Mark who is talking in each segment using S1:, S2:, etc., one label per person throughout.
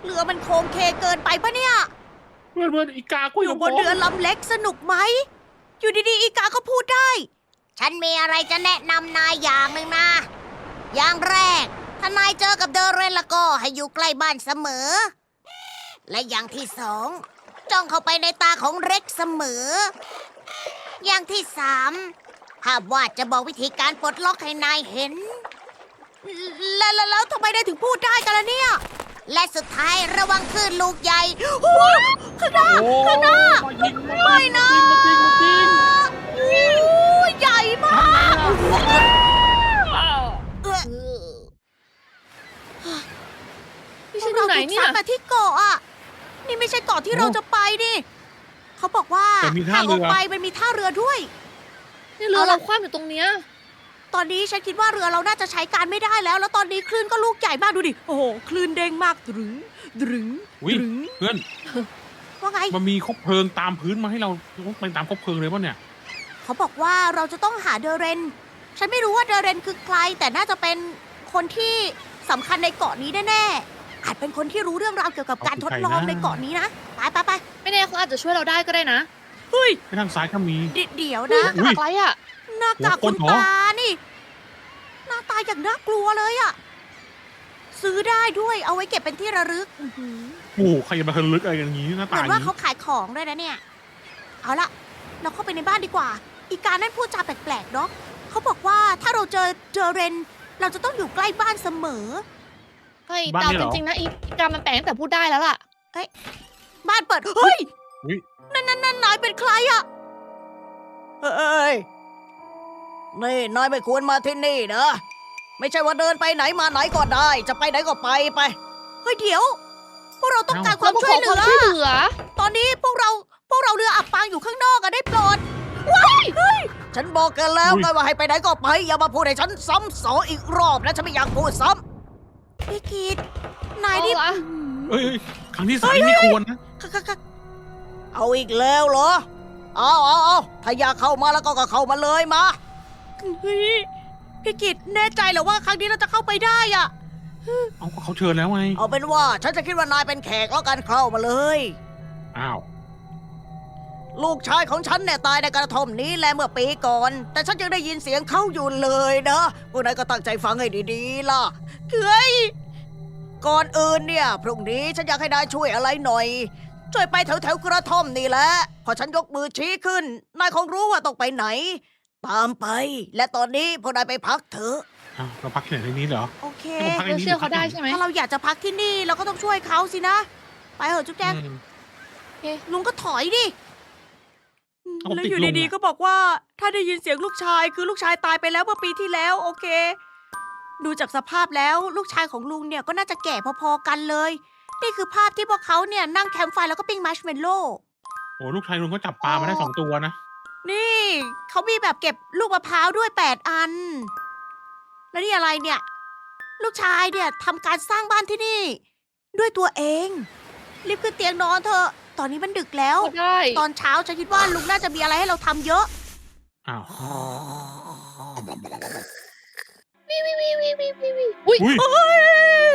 S1: เรือมันโค้งเคเกินไปปะเนี่ย
S2: เพื่อนอีกาคุย
S1: อ
S2: กั
S1: ยู่
S2: บบ
S1: นเรือลำเล็กสนุกไหม อยู่ดีๆ อีกาก็พูดได้ ฉันมีอะไรจะแนะนำนายอย่างหนึ่งนะ อย่างแรก ถ้านายเจอกับเดอเรนแล้วก็ให้อยู่ใกล้บ้านเสมอ และอย่างที่สองจ้องเข้าไปในตาของเร็กเสมอ อย่างที่สามภาพวาดจะบอกวิธีการปลดล็อกให้นายเห็น แล้วทำไมได้ถึงพูดได้กันล่ะเนี่ย และสุดท้ายระวังคลื่นลูกใหญ่โอ้ยข้างหน้า
S2: โอ้
S1: ข้างหน้า
S2: มายิง
S1: ไม่นะ
S2: มายิง
S1: โอ้ยใหญ่มากเออ
S3: นี่ฉันอยู่ไหนเนี่ย
S1: ราถูกซัดมาที่เกาะอ่ะ นี่ไม่ใช่เกาะที่เราจะไปดิเขาบอกว่า
S2: แต่มีท่า
S1: ห่างอ
S2: เรือ
S1: อกไปมันมีท่าเรือด้วย
S3: นี่เรือ
S1: เอาล่ะ
S3: เราคว่ำอยู่ตรงเนี้ย
S1: ตอนนี้ฉันคิดว่าเรือเราน่าจะใช้การไม่ได้แล้ว แล้วตอนนี้คลื่นก็ลูกใหญ่มากดูดิ โอ้โห คลื่นเด้งมากดรึงดรึง
S2: อุ๊ย
S1: ดรึง
S2: เพื่อน
S1: ว่าไง
S2: มันมีคบเพลิงตามพื้นมาให้เราไปตามคบเพลิงเลยป่ะเนี่ย
S1: เขาบอกว่าเราจะต้องหาเดอเรน ฉันไม่รู้ว่าเดอเรนคือใคร แต่น่าจะเป็นคนที่สำคัญในเกาะนี้แน่ๆ อาจเป็นคนที่รู้เรื่องราวเกี่ยวกับการทดลองในเกาะนี้นะ ไป
S3: ไม่แน่เขาอาจจะช่วยเราได้ก็ได้นะ
S1: เฮ้ย
S2: ไปทางซ้ายก็มี
S1: เดี๋ยว
S3: นี่
S1: นะ
S3: หน้ากากอะไรอ่ะ
S1: หน้ากาก
S2: หัวค
S1: คุ
S2: น
S1: ณ
S2: เหรอ
S1: ตานี่ หน้าตาอย่างน่ากลัวเลยอะซื้อได้ด้วย เอาไว้เก็บเป็นที่ระลึกอื้อหือ
S2: โอ้โหใครจะมาทะลึกอะไรอย่างนี้หน้า
S1: เห
S2: ตา
S1: มื
S2: อ
S1: อน
S2: ย่าง
S1: ว่า
S2: นี้
S1: เขาขายของด้วยนะเนี่ย เอาละเราเข้าไปในบ้านดีกว่า อีกานั่นพูดจาแปลกๆเนาะเขาบอกว่าถ้าเราเจอเรน เราจะต้องอยู่ใกล้บ้านเสมอ
S3: เฮ้ยแต่เอาจริงๆนะอีกามันแปลงตั้งแต่พูดได้แล้วล่ะ
S1: บ้านเปิด เฮ้ย
S2: อุ๊ย
S1: นั่นนายเป็นใครอะเฮ้ย นี่นายไม่ควรมาที่นี่นะ ไม่ใช่ว่าเดินไปไหนมาไหนก็ได้ จะไปไหนก็ไป เฮ้ยเดี๋ยว พวกเราต้องการความช่วยเหลื
S3: ความช่วยเหลื
S1: อ
S3: อ
S1: ตอนนี้พวกเราเรืออับปางอยู่ข้างนอกอะได้โปรดว้ายเฮ้ย ฉันบอกกันแล้วไงว่าให้ไปไหนก็ไป อย่ามาพูดให้ฉันซ้ำสองอีกรอบนะฉันไม่อยากพูดซ้ำพี่กีดนายนี่
S3: เอาละ
S2: เอ้ยครั้งที่สามไม่ควรนะ
S1: เอาอีกแล้วเหรอ เอาถ้าอยากเข้ามาแล้วก็เข้ามาเลยมาเฮ้ยพี่กิตแน่ใจเหรอว่าครั้งนี้เราจะเข้าไปได้อะ
S2: เอาก็เขาเชิญแล้วไง
S1: เอาเป็นว่าฉันจะคิดว่านายเป็นแขกแล้วกันเข้ามาเลย
S2: อ้าว
S1: ลูกชายของฉันเนี่ยตายในกระท่อมนี้แหละเมื่อปีก่อน แต่ฉันยังได้ยินเสียงเขาอยู่เลยนะพวกนายก็ตั้งใจฟังให้ดีๆล่ะเฮ้ยก่อนอื่นเนี่ยพรุ่งนี้ฉันอยากให้นายช่วยอะไรหน่อย ช่วยไปแถวกระท่อมนี่แหละพอฉันยกมือชี้ขึ้นนายคงรู้ว่าต้องไปไหน ตามไป และตอนนี้พวกนายไปพักเถอะ
S2: อ้าวเราพักที่ไหนในนี้เหรอ
S1: โอเค
S2: ให้ผมพัก
S3: เราเชื่อเขาได้ใช่ไหม
S1: ถ้าเราอยากจะพักที่นี่เราก็ต้องช่วยเขาสินะ ไปเถอะจุ๊บแจง
S2: อืม
S1: ลุงก็ถอยดิ
S2: เอา
S1: แล้ว
S2: ติด
S1: อยู่
S2: ลุง
S1: ดี
S2: อะ
S1: ๆก็บอกว่า ถ้าได้ยินเสียงลูกชายคือลูกชายตายไปแล้วเมื่อปีที่แล้ว โอเค ดูจากสภาพแล้วลูกชายของลุงเนี่ยก็น่าจะแก่พอๆกันเลย นี่คือภาพที่พวกเขาเนี่ยนั่งแคมป์ไฟแล้วก็ปิ้งมัชเมลโล่
S2: โอ้ลูกชายลุงก็จับปลามาได้2 ตัวนะ
S1: นี่เขามีแบบเก็บลูกมะพร้าวด้วย8 อัน แล้วนี่อะไรเนี่ย ลูกชายเนี่ยทำการสร้างบ้านที่นี่ ด้วยตัวเอง รีบขึ้นเตียงนอนเถอะ ตอนนี้มันดึกแล้ว
S3: ก็ได้
S1: ตอนเช้าฉันคิดว่าลุงน่าจะมีอะไรให้เราทำเยอะ
S2: อ้าว
S3: อุ้ย
S2: อุ้ย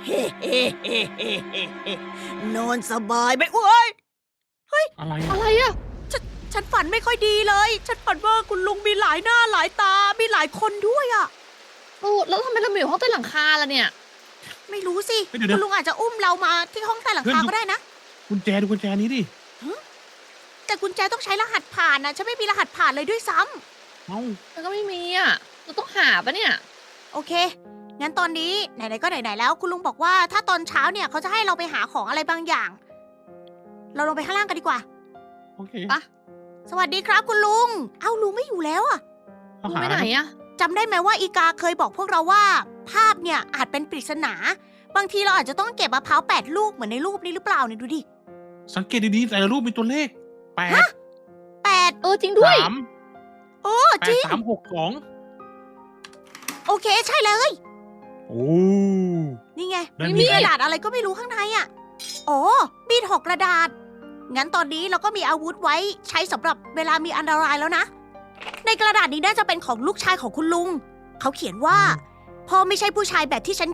S1: นอนสบายไหมอุ้ย
S2: อะไรอะ
S3: อะไรอ่ะ
S1: ฉันฝันไม่ค่อยดีเลย ฉันฝันว่าคุณลุงมีหลายหน้าหลายตา มีหลายคนด้วยอะ
S3: โอ้แล้วทำไมเรามาอยู่ห้องใต้หลังคาล่ะเนี่ย
S1: ไม่รู้สิ
S2: เฮ้ยเดี๋ยว
S1: คุ
S2: นะ
S1: ณลุงอาจจะอุ้มเรามาที่ห้องใต้หลังคาก็ได้นะ
S2: กุญแจดูกุญแจนี้ดิ
S1: แต่กุญแจต้องใช้รหัสผ่านนะฉันไม่มีรหัสผ่านเลยด้วยซ้ำ
S2: เอ้า
S3: มันก็ไม่มีอ่ะ เราต้องหาปะเนี่ย
S1: โอเค งั้นตอนนี้ไหนๆก็ไหนๆแล้ว คุณลุงบอกว่าถ้าตอนเช้าเนี่ยเขาจะให้เราไปหาของอะไรบางอย่าง เราลงไปข้างล่างกันดีกว่า
S2: โอเค
S3: ปะ
S1: สวัสดีครับคุณลุง เอ้าลุงไม่อยู่แล้วอะ
S2: เขา
S3: ลุง
S2: หา
S3: ไปไหนอ่ะ
S1: จำได้ไหมว่าอีกาเคยบอกพวกเราว่า ภาพเนี่ยอาจเป็นปริศนา บางทีเราอาจจะต้องเก็บมะพร้าว8 ลูกเหมือนในรูปนี้หรือเปล่าเนี่ยดูดิ
S2: สังเกตดีๆแต่ละรูปมีตัวเลข8
S1: 8
S3: จริงด้วย
S2: 3
S1: โอ้จริง
S2: 8 3 6
S1: โอเคใช่เลย
S2: 2โอ้
S1: นี่ไง
S2: นั่น
S1: มี
S2: ไง
S1: กระดาษอะไรก็ไม่รู้ข้างในอ่ะอ๋อมีดหอกกระดาษ งั้นตอนนี้เราก็มีอาวุธไว้ใช้สำหรับเวลามีอันตรายแล้วนะ ในกระดาษนี้น่าจะเป็นของลูกชายของคุณลุง เขาเขียนว่าพ่อไม่ใช่ผู้ชายแบบที่ฉันคิด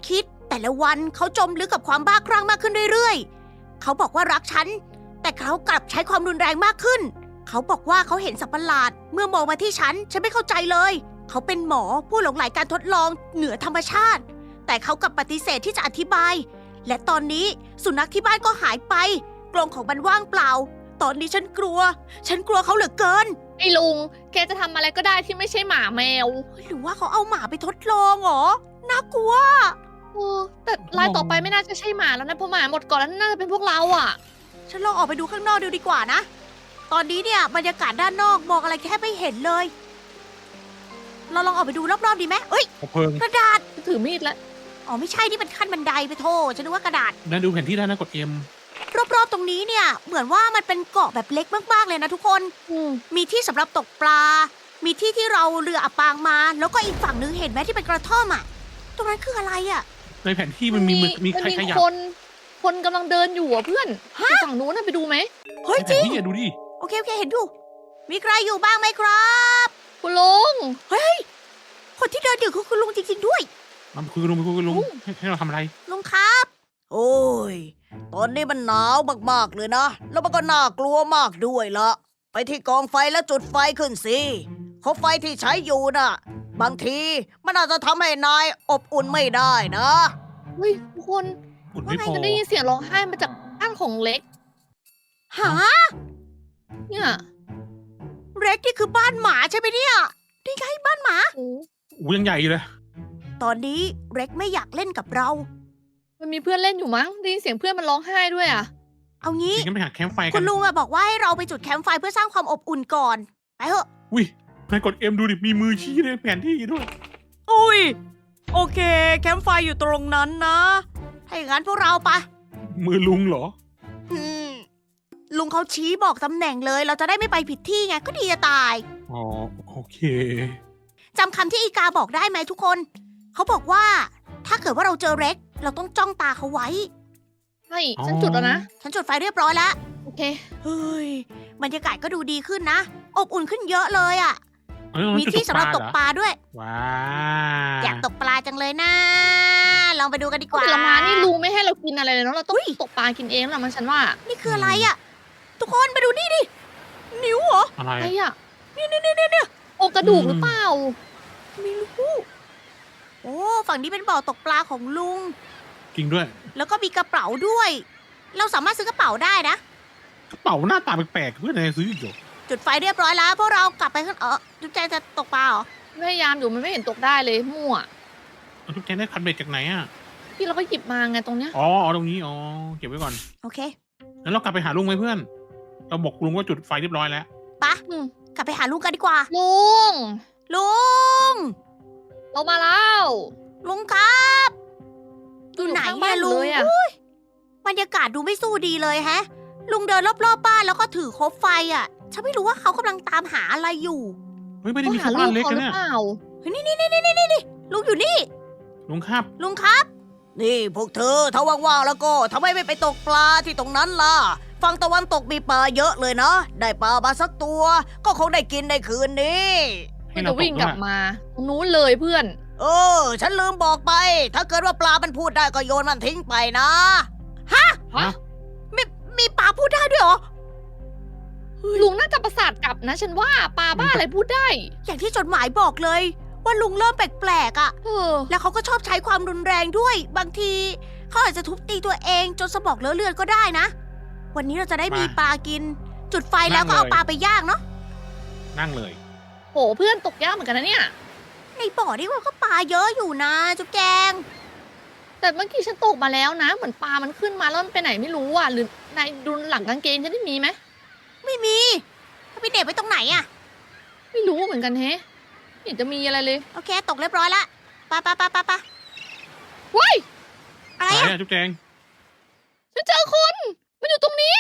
S1: แต่ละวันเขาจมลึกกับความบ้าคลั่งมากขึ้นเรื่อยๆ เขาบอกว่ารักฉัน แต่เขากลับใช้ความรุนแรงมากขึ้น เขาบอกว่าเขาเห็นสัตว์ประหลาด เมื่อมองมาที่ฉันไม่เข้าใจเลย เขาเป็นหมอผู้หลงใหลการทดลองเหนือธรรมชาติ แต่เขากลับปฏิเสธที่จะอธิบาย และตอนนี้สุนัขที่บ้านก็หายไปกรงของมันว่างเปล่า ตอนนี้ฉันกลัวเขาเหลือเกิน
S3: ไอ้ลุง แกจะทำอะไรก็ได้ที่ไม่ใช่หมาแมว
S1: หรือว่าเขาเอาหมาไปทดลองเหรอ น่ากลัว
S3: แต่รายต่อไปไม่น่าจะใช่หมาแล้วนะเพราะหมาหมดก่อนแล้วน่าจะเป็นพวกเราอ่ะ
S1: ฉันลองออกไปดูข้างนอกดูดีกว่านะ ตอนนี้เนี่ยบรรยากาศด้านนอกมองอะไรแค่ไม่เห็นเลย เราลองออกไปดูรอบๆดีไหมเอ้ย
S2: คบเพลิง
S1: กระดาษ
S3: ถือมีดแล้ว
S1: อ๋อไม่ใช่นี่เป็นขั้นบันไดไปโทษฉันนึกว่ากระดาษ
S2: นั่นดูแผนที่ได้นะกด M
S1: รอบๆตรงนี้เนี่ยเหมือนว่ามันเป็นเกาะแบบเล็กมากๆเลยนะทุกคน มีที่สำหรับตกปลา มีที่ที่เราเรืออับปางมา แล้วก็อีกฝั่งนึงเห็นไหมที่เป็นกระท่อมอ่ะ ตรงนั้นคืออะไรอ่ะ
S2: ในแผนที่มันมีใครขยับ
S3: คนกำลังเดินอยู่อ่ะเพื่อนอยู่ฝั่งนู้นน่ะไปดูไหม
S1: เฮ้ย
S2: ในแผ
S1: จริ
S2: น
S1: ง
S2: ที่อะดูดิ
S1: โอเคเห็นอยู่ มีใครอยู่บ้างไหมครับ
S3: คุณลุง
S1: คนที่เดินอยู่คือคุณลุงจริงๆด้วย
S2: มันคือลุงให้เราทำอะไร
S1: ลุงครับ โอ้ย ตอนนี้มันหนาวมากๆเลยนะ แล้วมันก็น่ากลัวมากด้วยละไปที่กองไฟแล้วจุดไฟขึ้นสิเพราะไฟที่ใช้อยู่น่ะ บางทีมันอาจจะทำให้นายอบอุ่นไม่ได้นะ
S3: เฮ้ยทุกคน
S2: อุ่นไม่พอ
S3: จะได้ยินเสียงร้องไห้มาจากบ้านของเล็ก
S1: หา
S3: เนี่ย
S1: เร็กนี่คือบ้านหมาใช่ไหมเนี่ยนี่ไงบ้านหมา
S3: โอ้
S2: อู้ยังใหญ่เลย
S1: ตอนนี้เร็กไม่อยากเล่นกับเรา
S3: มันมีเพื่อนเล่นอยู่มั้งได้ยินเสียงเพื่อนมันร้องไห้ด้วยอ่ะ
S1: เอางี้
S2: จริงก็ไปหาแคมป์ไฟ
S1: คุ
S2: กัน
S1: ณลุงอะบอกว่าให้เราไปจุดแคมป์ไฟเพื่อสร้างความอบอุ่นก่อน ไปเถอะ
S2: อุ้ยนายกด M ดูดิ มีมือชี้ในแผนที่ด้วย
S1: อุ้ย โอเค แคมป์ไฟอยู่ตรงนั้นนะ ถ้าอย่างนั้นพวกเราไป
S2: มือลุงเหรอ
S1: อืมลุงเขาชี้บอกตำแหน่งเลย เราจะได้ไม่ไปผิดที่ไง ก็ดีจะตาย
S2: อ๋อ โอเค
S1: จำคำที่อีกาบอกได้ไหมทุกคน เขาบอกว่า ถ้าเกิดว่าเราเจอเร็ก เราต้องจ้องตาเขาไว้
S3: ใช่ฉันจุดแล้วนะ
S1: ฉันจุดไฟเรียบร้อยแล้ว
S3: โอเค
S1: เฮ้ย บรรยากาศก็ดูดีขึ้นนะ อบอุ่นขึ้นเยอะเลยอะ มี
S2: จุด
S1: ที่สำหรับตกปลาด้วย
S2: ว้า
S1: อยากตกปลาจังเลยนะ ลองไปดูกันดีกว่า
S3: แต่ละมานี่ลุงไม่ให้เรากินอะไรเลยเนาะเราต้อง
S1: อุ๊ย
S3: ตกปลากินเองแหละมันฉันว่า
S1: นี่คืออะไรอะทุกคนมาดูนี่ดิ นิ้วเหรอ
S2: อะไร
S3: อะไรอ่ะ
S1: นี่
S3: โอกระดูกหรือเปล่า
S1: ไม่รู้โอ้ฝั่งนี้เป็นบ่อตกปลาของลุง
S2: จริงด้วย
S1: แล้วก็มีกระเป๋าด้วย เราสามารถซื้อกระเป๋าได้นะ
S2: กระเป๋าหน้าตาแปลกๆเพื่อนนายซื้ออีกเหรอ
S1: จุดไฟเรียบร้อยแล้วพวกเรากลับไปข้างจุ๊บแจงจะตกปลาเหรอ
S3: พยายามอยู่มันไม่เห็นตกได้เลยมั่ว
S2: ทุกแกได้คันเบ็ดจากไหนอ่ะ
S3: พี่เราก็หยิบมาไงตรงเนี้ย
S2: อ๋อตรงนี้ อ๋อ เก็บไว้ก่อน
S1: โอเค
S2: งั้นเรากลับไปหาลุงไหมเพื่อน เราบอกลุงว่าจุดไฟเรียบร้อยแล้ว
S1: ปะ
S3: อืม
S1: กลับไปหาลุงกันดีกว่า
S3: ลุง
S1: ลุง
S3: เรามาแล้ว
S1: ลุงครับอยู่ไหน
S3: ข้าง
S1: เนี่
S3: บ้าย น
S1: ลุง
S3: เลยอะ
S1: อุ๊ยบรรยากาศดูไม่สู้ดีเลยแฮะ ลุงเดินรอบๆบ้านแล้วก็ถือคบไฟอ่ะ ฉันไม่รู้ว่าเขากำลังตามหาอะไรอยู่
S2: เฮ้ย ไม่ได้
S3: ต้อง
S2: มี
S3: หา
S2: แค่
S3: ลู
S2: บ้าน
S3: ก
S2: เล็ก
S3: เขา
S2: นะ
S3: หรื
S2: เนี่
S3: อย เปล่า
S1: เฮ้ยนี่ลุงอยู่นี่
S2: ลุงครับ
S1: ลุงครับ นี่พวกเธอถ้าว่างๆแล้วก็ทำไมไม่ไปตกปลาที่ตรงนั้นล่ะ ฝั่งตะวันตกมีปลาเยอะเลยนะ ได้ปลามาสักตัว ก็คงได้กินในคืนนี้
S2: ให้
S3: มัน
S2: เรา
S3: จะ
S2: ตก
S3: วิ่ง
S2: ด้
S3: ก
S2: ว
S3: ลั
S2: ย
S3: บมาตรงนู้นเลยเพื่อน
S1: ฉันลืมบอกไป ถ้าเกิดว่าปลามันพูดได้ก็โยนมันทิ้งไปนะ
S2: ฮะ
S1: มีปลาพูดได้ด้วยเหรอ
S3: ลุงน่าจะประสาทกลับนะ ฉันว่าปลาบ้าอะไรพูดได้
S1: อย่างที่จดหมายบอกเลย ว่าลุงเริ่มแปลกๆอ่ะ
S3: เออ
S1: แล้วเขาก็ชอบใช้ความรุนแรงด้วย บางทีเขาอาจจะทุบตีตัวเองจนสมองเลอะเลือนก็ได้นะ วันนี้เราจะได้มีปลากิน จุดไฟแล้วก็เอาปลาไปย่างเนาะ
S2: นั่งเลย
S3: โหเพื่อนตกยากเหมือนกันนะเนี่ย
S1: ในบ่อนี่มันก็ปลาเยอะอยู่นะจุ๊บแจง
S3: แต่เมื่อกี้ฉันตกมาแล้วนะ เหมือนปลามันขึ้นมาแล้วมันไปไหนไม่รู้อ่ะ หรือนายดูหลังกางเกงฉันได้มีไหม
S1: ไม่มีถ้าไปเด็บไว้ตรงไหนอะ
S3: ไม่รู้เหมือนกันแฮะไม่เห็นจะมีอะไรเลย
S1: โอเคตกเรียบร้อยละปะ
S3: ว้าย
S1: อะไร
S2: ไหน
S1: อะ
S2: อะจุ๊บแจง
S3: ฉันเจอคนมันอยู่ตรงนี้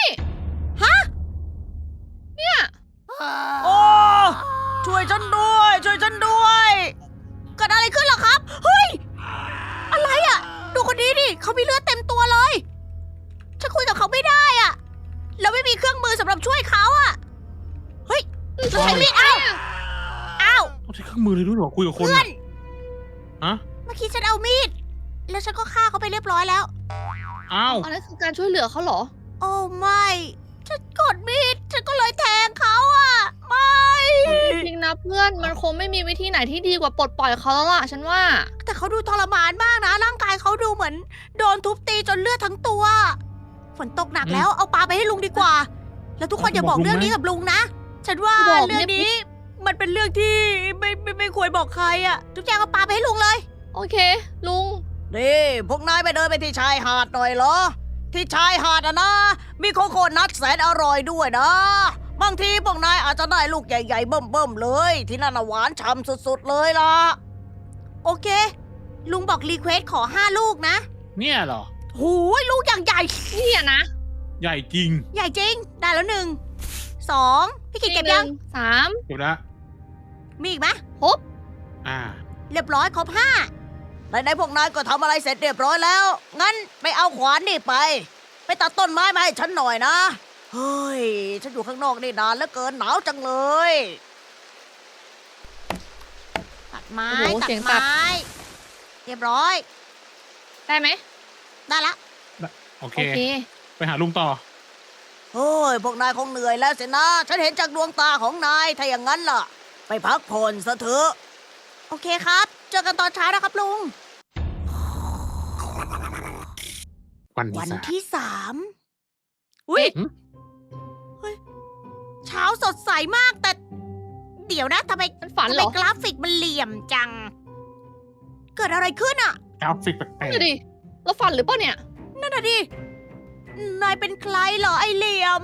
S1: โอ้ช่วยฉันด้วยเกิดอะไรขึ้นเหรอครับ เฮ้ย อะไรอะดูคนนี้ดิเขามีเลือดเต็มตัวเลยฉันคุยกับเขาไม่ได้อะแล้วไม่มีเครื่องมือสำหรับช่วยเขาอะเฮ้ยแล้วใช้มีดอ้าว
S2: ต้องใช้เครื่องมือเลยด้วยเหรอคุยกับคน
S1: เพื่อน
S2: ฮะ
S1: เมื่อกี้ฉันเอามีดแล้วฉันก็ฆ่าเขาไปเรียบร้อยแล้ว
S2: อ้าว
S3: อันนั้นคือการช่วยเหลือเขาเหรอ
S1: โอ้ไม่ฉันกดมีดฉันก็เลยแทงเขาอ่ะไม่
S3: จริงๆนะเพื่อนมันคงไม่มีวิธีไหนที่ดีกว่าปลดปล่อยเขาแล้วล่ะฉันว่า
S1: แต่เขาดูทรมานมากนะร่างกายเขาดูเหมือนโดนทุบตีจนเลือดทั้งตัว ฝนตกหนักแล้วเอาปลาไปให้ลุงดีกว่า แล้วทุกคนอย่าบอกเรื่องนี้กับลุงนะ ฉันว่า
S3: บอก
S1: เรื่องนี้ มันเป็นเรื่องที่ไม่ควรบอกใครอ่ะทุกอย่างเอาปลาไปให้ลุงเลย
S3: โอเค ลุง
S1: นี่พวกนายไปเดินไปที่ชายหาดหน่อยเหรอ ที่ชายหาดอะนะ มีโคโคนัทแสนอร่อยด้วยนะ บางทีพวกนายอาจจะได้ลูกใหญ่ๆเบิ่มๆเลย ที่นั่นน่ะหวานฉ่ำสุดๆเลยล่ะ โอเค ลุงบอกรีเควสขอ5 ลูกนะ
S2: เนี่ยเหรอ
S1: หูยลูกอย่างใหญ่
S3: นี่อะนะ
S2: ใหญ่จริง
S1: ใหญ่จริง ได้แล้ว1 2พี่กิจเก็บยัง
S3: 1 3
S2: เดี๋ยวนะ
S1: มีอีกไหม
S3: ครบ
S2: อ่า
S1: เรียบร้อยครบ5ในพวกนายก็ทำอะไรเสร็จเรียบร้อยแล้ว งั้นไปเอาขวานนี่ไปตัดต้นไม้มาให้ฉันหน่อยนะ เฮ้ย ฉันอยู่ข้างนอกนี่นานเหลือเกินหนาวจังเลย ตัดไม้
S3: โอ้โห
S1: ตั
S3: เสี
S1: ด
S3: ยงตัด
S1: ไม้ เรียบร้อย
S3: ได้ไหม
S1: ได้ละ
S2: โอเค
S3: โอเค
S2: ไปหาลุงต่อ
S1: เฮ้ย พวกนายคงเหนื่อยแล้วสินะ ฉันเห็นจากดวงตาของนาย ถ้าอย่างนั้นล่ะ ไปพักผ่อนซะเถอะ โอเคครับ เจอกันตอนเช้านะครับลุง
S2: วัน
S1: วัน
S2: ที่สาม
S1: ที่3อุ้ย
S2: หืม
S1: เฮ้ย เช้าสดใสมากแต่ เดี๋ยวนะทำไม
S3: มันฝัน
S1: ทำ
S3: เหร
S1: ไม
S3: อก
S1: ราฟิกมันเหลี่ยมจัง เกิดอะไรขึ้นอ่ะ
S2: กราฟิกแปลก
S3: นั่นดิเราฝันหรือเปล่าเนี่ย
S1: นั่นน่ะดิ นายเป็นใครเหรอไอเหลี่ยม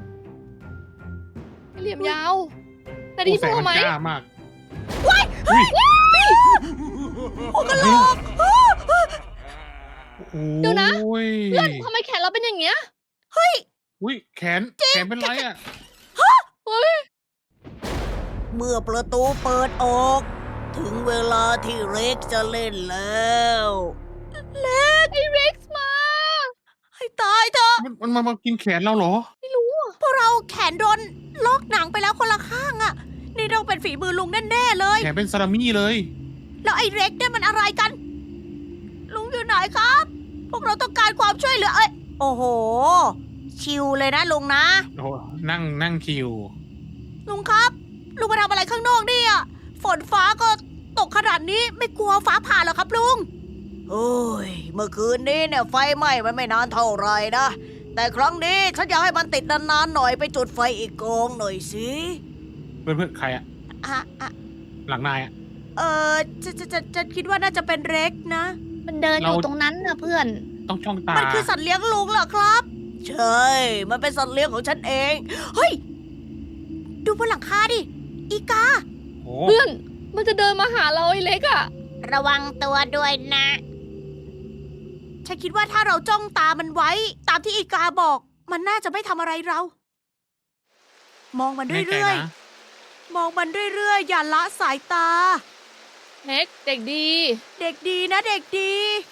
S3: เหลี่ยมยาว
S2: ๆ
S3: แต่ดี
S2: โอ้แส
S3: พ
S2: ง
S3: อ
S2: มัน
S3: ไหม
S2: จ้ามาก
S1: หัวกะโหลก
S2: โอ้โห
S3: เดี๋ยวนะ เพื่อนทำไมแขนเราเป็นอย่างเงี้ย
S2: อุ้ยแขนเป็นไรอ่ะ
S3: เฮ้ย
S1: เมื่อประตูเปิดออก ถึงเวลาที่เร็กจะเล่นแล้ว
S3: ไอเร็กซ์มา
S1: ให้ตายเถอะ
S2: มันมากินแขนเราเหรอ
S1: พวกเราแขนโดนลอกหนังไปแล้วคนละข้างอะนี่ต้องเป็นฝีมือลุงแน่ๆเลย
S2: แขนเป็นซาลามี่เลย
S1: แล้วไอ้เร็กเนี่ยมันอะไรกัน ลุงอยู่ไหนครับ พวกเราต้องการความช่วยเหลือ เอ้ย โอ้โห ชิวเลยนะลุงนะ
S2: โอ้โหนั่งคิว
S1: ลุงครับ ลุงมาทำอะไรข้างนอกเนี่ยฝนฟ้าก็ตกขนาดนี้ไม่กลัวฟ้าผ่าเหรอครับลุง โอ้ย เมื่อคืนนี้เนี่ยไฟไหม้มันไม่นานเท่าไหรนะ แต่ครั้งนี้ฉันอยากให้มันติดนานๆหน่อยไปจุดไฟอีกกองหน่อยสิ
S2: เพื่อนใครอ่ะ
S1: อ่ะ
S2: หลังนายอ่ะ
S1: จะคิดว่าน่าจะเป็นเร็กนะ
S3: มันเดินอยู่
S2: เรา
S3: ตรงนั้นนะเพื่อน
S2: ต้องช่องตา
S1: มันคือสัตว์เลี้ยงลุงเหรอครับ ใช่ มันเป็นสัตว์เลี้ยงของฉันเอง เฮ้ย ดูบนหลังคาดิ อีกา
S2: โอ้
S3: เพื่อน มันจะเดินมาหาเราไอเล็กอะ
S1: ระวังตัวด้วยนะ ฉันคิดว่าถ้าเราจ้องตามันไว้ ตามที่อีกาบอก มันน่าจะไม่ทำอะไรเรา มองมัน
S2: แน่ใจ
S1: เรื่อย
S2: นะ
S1: ๆ มองมันเรื่อยๆ อย่าละสายตา
S3: เล็กเด็กดี
S1: เด็กดีนะเด็กดี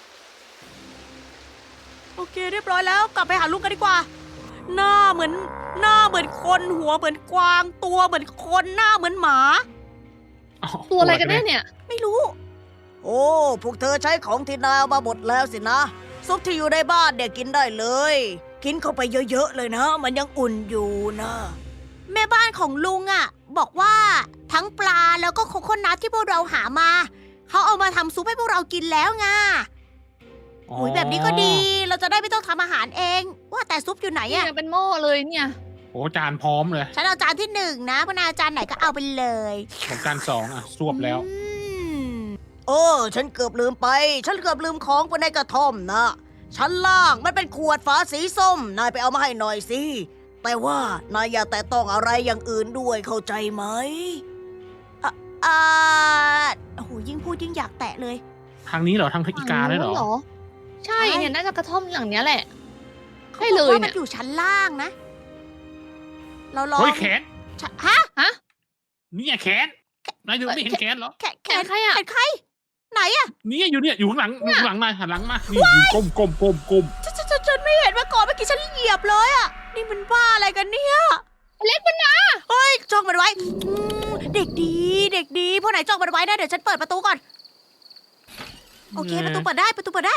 S1: โอเคเรียบร้อยแล้ว กลับไปหาลุงกันดีกว่า หน้าเหมือนคนหัวเหมือนกวางตัวเหมือนคนหน้าเหมือนหมา
S2: อ๋อ
S3: ตัวอะไรกันแน่เนี่ย
S1: ไม่รู้ โอ้พวกเธอใช้ของที่นายเอามาหมดแล้วสินะ ซุปที่อยู่ในบ้านเนี่ยกินได้เลย กินเข้าไปเยอะๆเลยนะ มันยังอุ่นอยู่นะ แม่บ้านของลุงอ่ะ บอกว่าทั้งปลาแล้วก็โคโคนัทที่พวกเราหามาเขาเอามาทำซุปให้พวกเรากินแล้วไง
S2: อ๋อ
S1: หุยแบบนี้ก็ดี เราจะได้ไม่ต้องทำอาหารเอง ว่าแต่ซุปอยู่ไหน
S3: เนี่
S1: อะ
S3: ยเป็นหม้อเลยเนี่ย
S2: โอ้จานพร้อมเลย
S1: ฉันเอาจานที่1นะพนายเอาจานไหนก็เอาไปเลย
S2: ผมจาน2อ่ะสวบแล้ว
S1: โอ้ฉันเกือบลืมไป ฉันเกือบลืมของไปในกระท่อมนะ ชั้นล่างมันเป็นขวดฝาสีส้ม นายไปเอามาให้หน่อยสิ แต่ว่านายอย่าแตะต้องอะไรอย่างอื่นด้วยเข้าใจไหมอ่าโอ้โหยิ่งพูดยิ่งอยากแตะเลย
S2: ทางนี้เหรอทางอีกาเลยเหรอ
S3: ใช่
S1: ใช่
S3: เนี่ยน่าจะกระท่อมหลังเนี้ยแหละ
S1: เขา
S3: ใช่
S1: บ
S3: เล
S1: อก
S3: ย
S1: ว่า
S3: เนี่
S1: มัน
S3: ย
S1: อยู่ชั้นล่างนะ เราลอง
S2: เฮ้ยแขน
S1: ฮะ
S2: เนี่ยแขนนายดูไม่เห็นแขนเหรอ
S1: แขน
S3: แขนใครอะ
S1: แขนใคร ไหนอะ
S2: เนี่ยอยู่ข้างหลังนายหันหลังมานี่อยู่ก้ม
S1: ฉันไม่เห็นมาก่อนเมื่อกี้ฉันเหยียบเลยอะนี่มันบ้าอะไรกันเนี่ย
S3: เล็กมันนะ
S1: เฮ้ยจ้องมันไว้เด็กดีเด็กดีพอไหนจ้องมันไว้นะเดี๋ยวฉันเปิดประตูก่อนโอเค ประตูเปิดได้ ประตูเปิดได้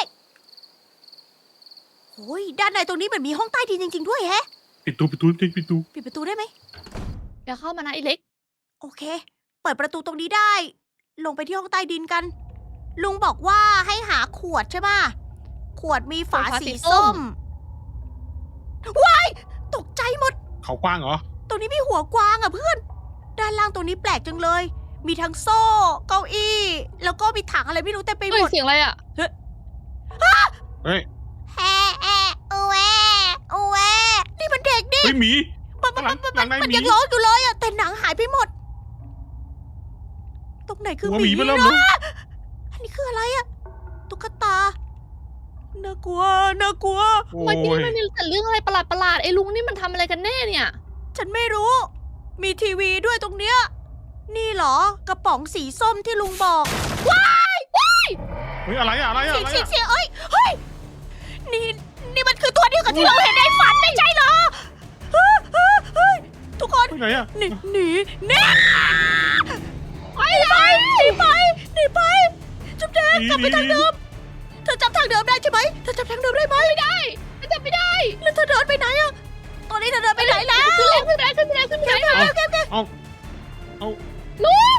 S1: โอ้ยด้านในตรงนี้เหมือนมีห้องใต้ดินจริงๆด้วยแฮะ
S2: ปิดตูปิดตูปิดตู
S1: ปิดประตูได้ไหม
S3: เดี๋ยวเข้ามานะไอ้เล็ก
S1: โอเค เปิดประตูตรงนี้ได้ ลงไปที่ห้องใต้ดินกัน ลุงบอกว่าให้หาขวดใช่ปะขวดมีฝา
S3: ฝาสี
S1: สี
S3: ส้
S1: ส้
S3: ม
S1: ม ว้าย ตกใจหมด
S2: เขากว้างเหรอ
S1: ตรงนี้มีหัวกวางอ่ะเพื่อน ด้านล่างตรงนี้แปลกจังเลย มีทั้งโซ่ เก้าอี้ แล้วก็มีถังอะไรไม่รู้เต็มไปห
S3: เฮ้
S1: ม
S3: ย
S1: ด
S3: เสียงอะไรอ่ะ
S2: เฮ้ย
S1: แอะแอะอูแวอูแวนี่มันเด็กดิ
S2: เฮ้ยหมี
S1: มัน
S2: หลังใน
S1: มัน
S2: หมี
S1: ยังร้องอยู่เลยอ่ะ แต่หนังหายไปหมด ตรงไหนคือ
S2: หัว
S1: ห
S2: ห
S1: มี
S2: มีมาเริ่ม
S1: นะ
S2: เลย
S1: อันนี้คืออะไรอ่ะ ตุ๊กตา น่ากลัว น่ากลัว
S2: โอ้
S3: ทำไมที่นี่
S2: ย
S3: มันมีแต่เรื่องอะไรประหลาดๆไอ้ลุงนี่มันทำอะไรกันแน่เนี่ย
S1: ฉันไม่รู้ มีทีวีด้วยตรงเนี้ย นี่เหรอ กระป๋องสีส้มที่ลุงบอก
S2: เฮ้ยอะไรอะอะไรอะ
S1: เสียง
S2: อะไร
S1: เสียง
S2: อะ
S1: เสียงเอ้ย เฮ้ย นี่มันคือตัวเดียวกับที่เราเห็นในฝันไม่ใช่เหรอเฮ้ยเฮ้ยเฮ้ยทุกคน
S2: ไปไหนอะ
S1: หนีไปเลยหนีไปจุ๊บแดงกลับไปทางเดิม เธอจำทางเดิมได้ใช่ไหมเธอจำทางเดิมได้ไหมไม่ได้
S3: มันจะไม่ได้
S1: แล้วเธอเดินไปไหนอะตอนนี้เธอเดินไปไหนแล้ว
S3: ขึ้นแล้วขึ้นแล้วขึ้นแล้วขึ้นแล้ว
S2: เอา
S3: ลุง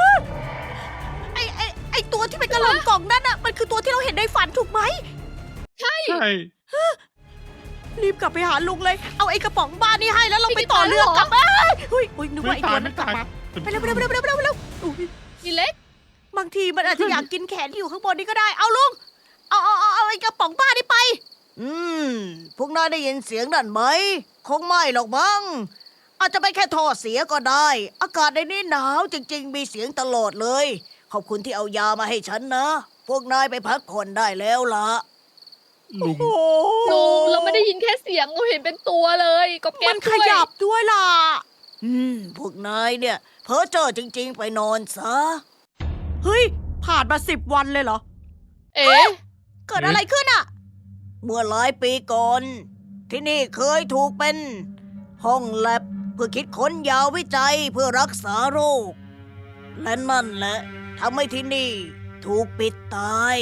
S1: ไอตัวที่เป็นกระโหลกกล่องนั่นอะมันคือตัวที่เราเห็นในฝันถูกไหม
S3: ใช่
S2: ใช่
S1: รีบกลับไปหาลุงเลย เอาไอ้กระป๋องบ้านนี่ให้แล้วเราไปต่อเรือกลับบ้านเฮ้ยนึกว่าไอ้ตัวนั้นกลับมาไปเร็วอุ๊ย
S3: นี่เล็ก
S1: บางทีมันอาจจะอยากกินแขนที่อยู่ข้างบนนี้ก็ได้ เอาลุง เอาไอ้กระป๋องบ้านนี่ไป พวกนายได้ยินเสียงนั่นไหม คงไม่หรอกมั้ง อาจจะเป็นแค่ท่อเสียก็ได้ อากาศในนี้หนาวจริงๆ มีเสียงตลอดเลย ขอบคุณที่เอายามาให้ฉันนะ พวกนายไปพักผ่อนได้แล้วล่ะ
S2: ลุง
S3: ลุงเราไม่ได้ยินแค่เสียงเราเห็นเป็นตัวเลยก็แก๊
S1: มั
S3: ส
S1: น
S3: ด้
S1: ข
S3: วย
S1: ยับด้วยล่ะ พวกนายเนี่ย เพ้อเจ้อจริง ๆ ไปนอนซะ เฮ้ย ผ่านมา10 วันเลยเหรอ
S3: เอ๊ะ
S1: เกิดอะไรขึ้นอะเมื่อหลายปีก่อน ที่นี่เคยถูกเป็น ห้องแลบเพื่อคิดค้นยาวิจัยเพื่อรักษาโรค และนั่นแหละทำให้ที่นี่ถูกปิดตาย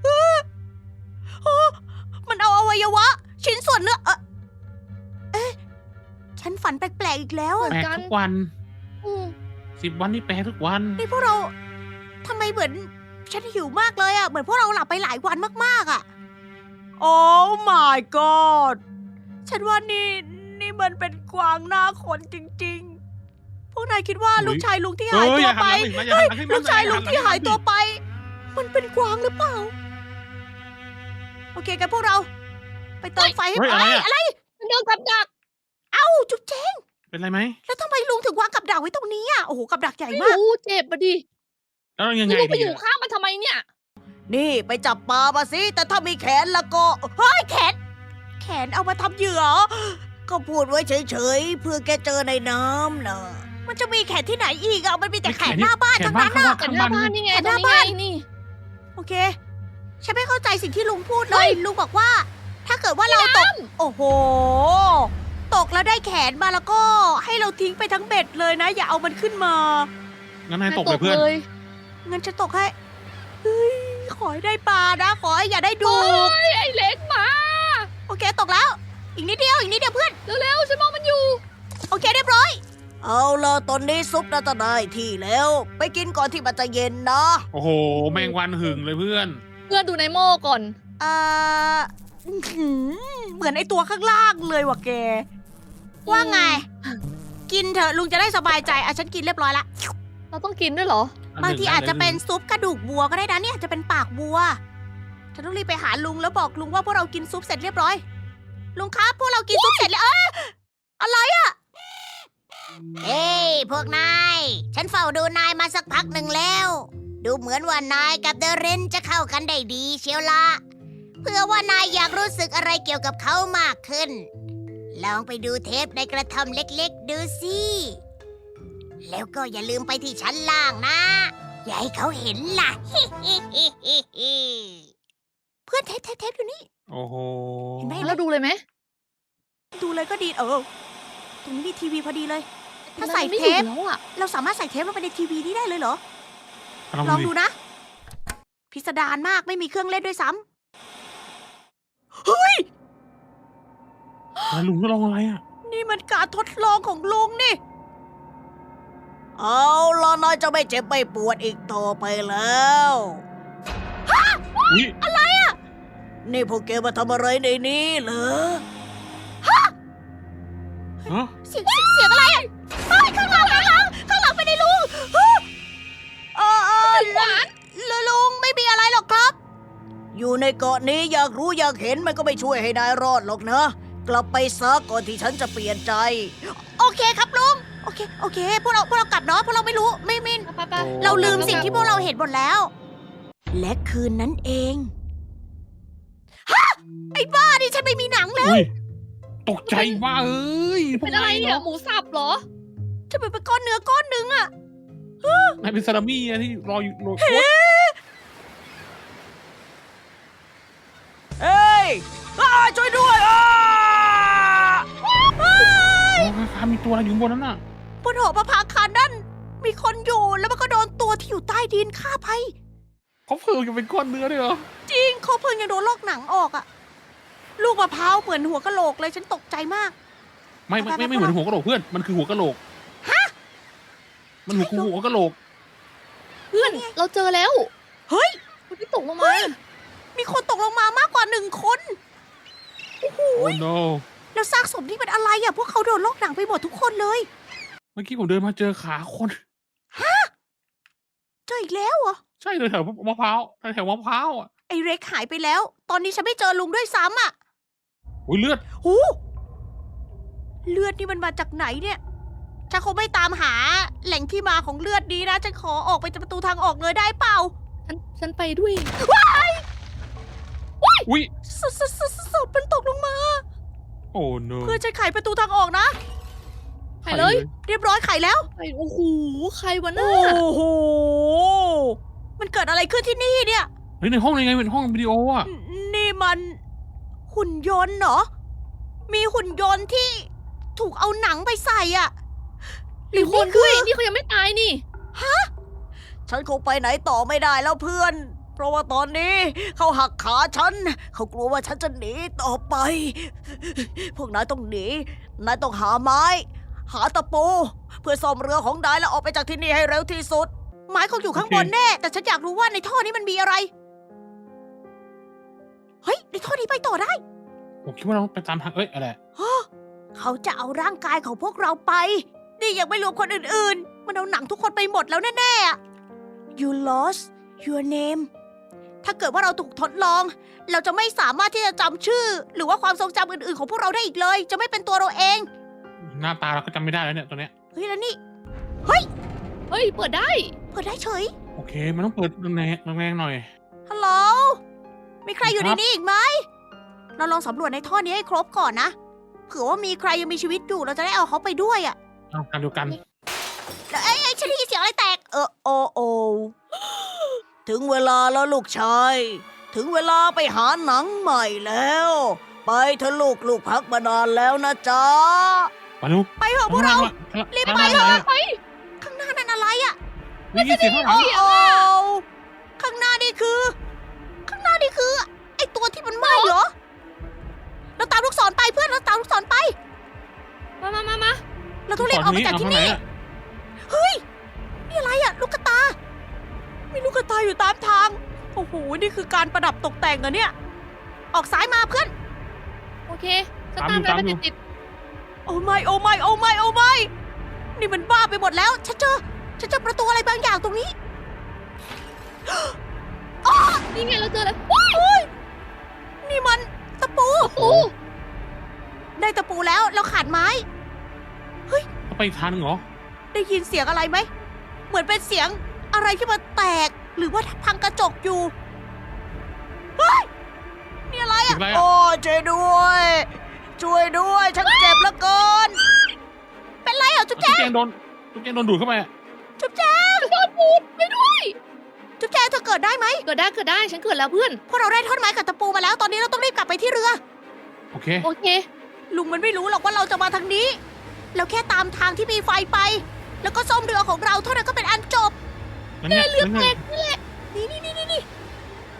S1: มันเอาอวัยวะ ชิ้นส่วนเนื้อเอ๊ะฉันฝันแปลกๆอีกแล้วอะ
S2: แปลกทุกวัน
S3: อืม
S2: 10 วันนี่แปลกทุกวัน
S1: นี่พวกเราทำไมเหมือนฉันหิวมากเลยอะเหมือนพวกเราหลับไปหลายวันมากๆอะโอ้ my god ฉันว่านี่มันเป็นกวางหน้าคนจริงๆ พวกนายคิดว่า
S2: อุ๊ย
S1: ลูกชายลุงที่
S2: เฮ้
S1: หาย
S2: ย
S1: ตั
S2: อ
S1: ว
S2: ย่าหั
S1: ไป
S2: นหลังมาอย่าหันหลังให้มัน
S1: ลูกชายลุงที่หายตัว
S2: ไป
S1: ไป มันเป็นกวางหรือเปล่า โอเคกันพวกเรา ไปเติมไฟให้
S2: เฮ้ย
S1: เอ้ย
S2: อะไรอะ
S3: มันโดนกับดัก
S1: เอ้าจุ๊บเจ๊
S2: เป็นไรไหม
S1: แล้วทำไมลุงถึงวางกับดักไว้ตรงนี้อ่ะโอ้โหกับดักใหญ่
S3: ไม่
S1: มาก
S3: รู้เจ็บปะดิ
S2: แล้วยังไง
S3: แล้วลุงไป
S2: ดี
S3: อยู่
S2: อะ
S3: ข้างมันทำไมเนี่ย
S1: นี่ไปจับปลามาสิแต่ถ้ามีแขนแล้วก็เฮ้ยแขนเอามาทำเหยื่อ ก็พูดไว้เฉยๆเพื่อแกเจอในน้ำนะมันจะมีแขนที่ไหนอีกอ่ะมันมีแต่แขนหน้าบ้าน
S2: แข
S1: ทั้
S2: น
S1: ง
S2: บ้า
S1: นั้น น
S2: เขา
S1: อ่ะ
S2: ว่า
S3: แต่
S2: ข้าง
S3: หน้า
S2: บ้า
S3: บ้าน
S2: น
S3: นี่ไง
S1: แต่
S3: ต
S1: ห
S3: รง
S1: น้า
S3: นี้ไง
S1: บ้าน
S3: นี่
S1: โอเค ฉันไม่เข้าใจสิ่งที่ลุงพูดเล
S3: เฮ้
S1: ย
S3: ย
S1: ลุงบอกว่า ถ้าเกิดว่าเราตก โอ้โห ตกแล้วได้แขนมาแล้วก็ให้เราทิ้งไปทั้งเบ็ดเลยนะ อย่าเอามันขึ้นมา
S2: งั้นนายตกเลยเพื่อน
S3: เลย
S1: งั้นจะตกให้ เฮ้ย ขอให้ได้ปลานะ ขอให้อย่าได้ดู
S3: เฮ้ยไอ้เล็กมา
S1: โอเคตกแล้ว อีกนิดเดียวเพื่อน
S3: เร็วๆฉันมองมันอยู่
S1: โอเคเรียบร้อย เอาละตอนนี้ซุปน่าจะได้ที่แล้ว ไปกินก่อนที่มันจะเย็นนะ
S2: โอ้โห แมงวันหึงเลยเพื่อน
S3: เพื่อนดูในหม้อก่อน
S1: อื้อหือเหมือนไอตัวข้างล่างเลยว่ะแก ว่าไง กินเถอะลุงจะได้สบายใจอ่ะฉันกินเรียบร้อยละ
S3: เราต้องกินด้วยเหรอ
S1: บางทีอาจจะเป็นซุปกระดูกวัวก็ได้นะเนี่ยอาจจะเป็นปากวัว ฉันต้องรีบไปหาลุงแล้วบอกลุงว่าพวกเรากินซุปเสร็จเรียบร้อย ลุงครับพวกเรากินซุปเสร็จแล้วอะไรอะเฮ้ยพวกนาย ฉันเฝ้าดูนายมาสักพักหนึ่งแล้ว ดูเหมือนว่านายกับเดเรนจะเข้ากันได้ดีเชียวละเพื่อว่านายอยากรู้สึกอะไรเกี่ยวกับเขามากขึ้น ลองไปดูเทปในกระท่อมเล็กๆดูสิ แล้วก็อย่าลืมไปที่ชั้นล่างนะ อย่าให้เขาเห็นล่ะ เพื่อนเทปอยู่นี่
S2: โอ้โห
S1: เห็นไหม
S3: แล้วดูเลยไหม
S1: ดูเลยก็ดีตรงนี้มีทีวีพอดีเลย ถ้าใส่
S3: มันไม่
S1: เท
S3: อยู่
S1: ป
S3: แล้วอ่ะ
S1: เราสามารถใส่เทปลงไปในทีวีนี้ได้เลยเหรอ
S2: ลอง
S1: ลอง
S2: ดู
S1: ดู
S2: ดิ
S1: นะพิสดารมากไม่มีเครื่องเล่นด้วยซ้ำเฮ้ย
S2: แล้วลุงก็ลองอะไรอ่ะ
S1: นี่มันการทดลองของลุงนี่ เอาล่ะนายจะไม่เจ็บไม่ปวดอีกต่อไปแล้ว
S2: อุ้ย
S1: นี่พวกแกมาทำอะไรในนี้เหรอ
S2: ฮะ
S1: เสียงอะไรอ่ะเฮ้ยข้างหลังไปในลุงลุงไม่มีอะไรหรอกครับ อยู่ในเกาะนี้อยากรู้อยากเห็นมันก็ไม่ช่วยให้นายรอดหรอกนะ กลับไปซะก่อนที่ฉันจะเปลี่ยนใจ โอเคครับลุง โอเค พวกเรากลับเนาะพวกเราไม่รู้ไม่มิน
S3: ไป
S1: เราลืมสิ่งที่พวกเราเห็นหมดแล้ว และคืนนั้นเองฮะไอ้บ้าดิฉันไม่มีหนังแล้ว
S2: อุ้ยตกใจว่าเอ้ยพว
S3: เป็
S2: ก
S3: นอะไร
S2: นาย
S3: เนี่ย
S2: เนาะ
S3: หมูสับเหรอ
S1: จะเป็นก้อนเนื้อก้อนหนึ่งอะ
S2: นายเป็นซาลามี่อะที่รออยู่โรย
S1: เฮ้ยช่วยด้วย
S2: มีตัวอะไรอยู่บนนั้นน่ะ
S1: บนหอประภาคารนั่นมีคนอยู่แล้วมันก็โดนตัวที่อยู่ใต้ดินฆ่าไป
S2: เขาเพิ่งจะเป็นก้อนเนื้อด้วยเหรอ
S1: จริงเขาเพิ่งยังโดนลอกหนังออกอะลูกมะพร้าวเหมือนหัวกะโหลกเลยฉันตกใจมาก
S2: ไม่เหมือนหัวกะโหลกเพื่อนมันคือหัวกะโหลกมันหัวกะโหลก
S3: เพื่อนเราเจอแล้ว
S1: เฮ้ย
S3: คนที่ตกลงมา
S1: มีคนตกลงมามากกว่า1 คน
S2: โอ้ no
S1: แล้วซากศพนี่เป็นอะไรอะพวกเขาโดนลอกหนังไปหมดทุกคนเลย
S2: เมื่อกี้ผมเดินมาเจอขาคน
S1: เจออีกแล้วเหรอ
S2: ใช่เลยแถวมะพร้าวแถวมะพร้าวอ่ะ
S1: ไอ้เร็กหายไปแล้ว ตอนนี้ฉันไม่เจอลุงด้วยซ้ำอะ
S2: อุ้ยเลือด
S1: หูเลือดนี่มันมาจากไหนเนี่ยฉันคงไม่ตามหาแหล่งที่มาของเลือดนี้นะฉันขอออกไปจากประตูทางออกเลยได้เปล่า
S3: ฉันไปด้วย
S2: อุ้ย
S1: ศพมันตกลงมา
S2: โอ้ no
S1: เพื่อฉันไขประตูทางออกนะ
S3: ไปเลย
S1: เรียบร้อยไขแล้ว
S3: ไปโอ้โหใครวะน่ะ
S1: โอ้โห มันเกิดอะไรขึ้นที่นี่เนี่ย
S2: เฮ้ยในห้องยังไงเป็นห้องวิดีโออ่ะ
S1: นี่มันหุ่นยนต์เหรอ มีหุ่นยนต์ที่ถูกเอาหนังไปใส่อะหรือ
S3: ค
S1: นี่
S3: น
S1: คื
S3: ด้วย
S1: อ
S3: นี่เขายังไม่ตายนี่
S1: ฉันคงไปไหนต่อไม่ได้แล้วเพื่อน เพราะว่าตอนนี้เขาหักขาฉัน เขากลัวว่าฉันจะหนีต่อไป พวกนายต้องหนี นายต้องหาไม้ หาตะปู เพื่อซ่อมเรือของนายแล้วออกไปจากที่นี่ให้เร็วที่สุด ไม้คงอยู่ข้างบนแน่ แต่ฉันอยากรู้ว่าในท่อนี้มันมีอะไร เฮ้ย ในท่อนี้ไปต่อได้
S2: ผมคิดว่าเราไปตามทางเอ้ยอะไร
S1: เขาจะเอาร่างกายของพวกเราไป นี่ยังไม่รวมคนอื่นๆ มันเอาหนังทุกคนไปหมดแล้วแน่ๆอะ You lost your name ถ้าเกิดว่าเราถูกทดลอง เราจะไม่สามารถที่จะจำชื่อ หรือว่าความทรงจำอื่นๆของพวกเราได้อีกเลย จะไม่เป็นตัวเราเอง
S2: หน้าตาเราก็จำไม่ได้แล้วเนี่ยตัวเนี้ย
S1: เฮ้ยแล้วนี่
S3: เฮ้ยเปิดได้
S1: เปิดได้เฉย
S2: โอเคมันต้องเปิดแรงๆหน่อย
S1: ฮัลโหล มีใครอยู่ในนี้อีกไหม เราลองสำรวจในท่อนี้ให้ครบก่อนนะ เผื่อว่ามีใครยังมีชีวิตอยู่เราจะได้เอาเขาไปด้วยอะ
S2: เอาการเดียวกัน
S1: แล้วฉันได้ยินเสียงอะไรแตก โอ ถึงเวลาแล้วลูกชาย ถึงเวลาไปหาหนังใหม่แล้ว ไปเถอะลูกพักมานานแล้วนะจ๊ะ
S2: มาลูก
S1: ไปเถอะพวกเรา รีบไปเถอะ
S3: ไป
S1: ข้างหน้านั่นอะไรอะ
S2: นี่เสียงข้างหลัง
S1: โอ้ข้างหน้านี่คือ ไอตัวที่มันไหม้เหรอ เราตามลูกศรไปเพื่อนเราตามลูกศรไป
S3: มา
S1: เราต้องรีบออกไปจากที่นี่ เฮ้ย นี่อะไรอะลูกกระตา มีลูกกระตาอยู่ตามทาง โอ้โห นี่คือการประดับตกแต่งเหรอเนี่ย ออกซ้ายมาเพื่อน
S3: โอเคฉันตามนายไปติด
S1: โอ้ไม่นี่มันบ้าไปหมดแล้ว ฉันเจอประตูอะไรบางอย่างตรงนี้
S3: ๆนี่ไงเราเจอแล้ว
S1: นี่มันตะปู
S3: โอ้
S1: ได้ตะปูแล้วเราขาดไม้
S2: ไปอีกทางหนึงเหรอ
S1: ได้ยินเสียงอะไรไหม เหมือนเป็นเสียงอะไรที่มันแตก หรือว่าพังกระจกอยู่ เฮ้ย นี่อะไร
S2: เสีย
S1: อ่ะ
S2: งอะไรอะ
S1: โอ้ช่วยด้วย ฉันเจ็บเหลือเกิน เป็นไรอ่ะจุ๊บ
S2: ตุ๊
S1: แจ
S2: กแจงโดนดูดเข้าไปอะ
S1: จุ๊บแจง
S3: โดนปูดไปด้วย
S1: จุ๊บแจงเธอเกิดได้ไหม
S3: เกิดได้ฉันเกิดแล้วเพื่อน
S1: พวกเราได้ท่อนไม้กับตะปูมาแล้ว ตอนนี้เราต้องรีบกลับไปที่เรือ
S2: โอเค
S3: โอเค
S1: ลุงมันไม่รู้หรอกว่าเราจะมาทางนี้ เราแค่ตามทางที่มีไฟไป แล้วก็ซ่อมเรือของเราเท่านั้นก็เป็นอันจบ
S2: งั้นเนี่ย
S3: เรือแตก
S1: นี่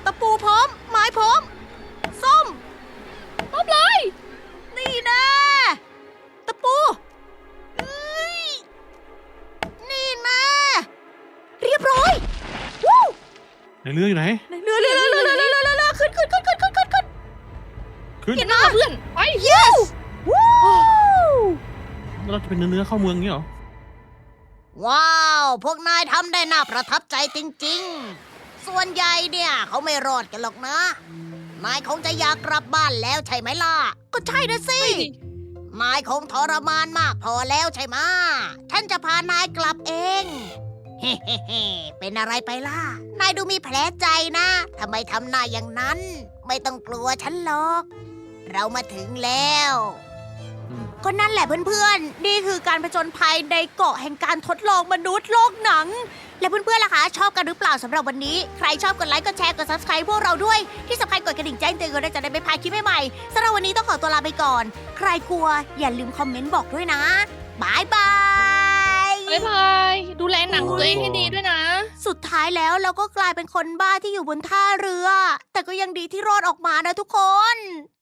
S1: ตะปูพร้อม ไม้พร้อม ส้ม
S3: พบเลย
S1: นี่นะตะปูเอ้ยนี่นะเรียบร้อยวู้
S2: ในเรืออยู่ไหน
S1: เรือขึ้นขึ้น
S2: ขึ้น
S3: เห็นหน้าเพื่อนไป
S1: yes วู้
S2: แล้วเราจะเป็นเนื้อเข้าเมืองงี้เหรอ
S1: ว้าว พวกนายทำได้น่าประทับใจจริงๆ ส่วนใหญ่เนี่ยเขาไม่รอดกันหรอกนะ นายคงจะอยากกลับบ้านแล้วใช่ไหมล่ะ ก็ใช่นะสิ นายคงทรมานมากพอแล้วใช่ไหมะฉันจะพานายกลับเอง เฮ้เป็นอะไรไปล่ะ นายดูมีแผลใจนะทำไมทำหน้าอย่างนั้น ไม่ต้องกลัวฉันหรอก เรามาถึงแล้ว
S2: อืม
S1: ก็นั่นแหละเพื่อนๆ นี่คือการผจญภัยในเกาะแห่งการทดลองมนุษย์โลกหนัง และเพื่อนๆล่ะคะชอบกันหรือเปล่าสำหรับวันนี้ ใครชอบกดไลค์กดแชร์กด subscribe พวกเราด้วย ที่สำคัญกดกระดิ่งแจ้งเตือนกันด้วยจะได้ไม่พลาดคลิปใหม่ๆสำหรับวันนี้ต้องขอตัวลาไปก่อน ใครกลัวอย่าลืมคอมเมนต์บอกด้วยนะบายบาย
S3: บ๊ายบายดูแลหนังตัวเองให้ดีด้วยนะ
S1: สุดท้ายแล้วเราก็กลายเป็นคนบ้าที่อยู่บนท่าเรือ แต่ก็ยังดีที่รอดออกมานะทุกคน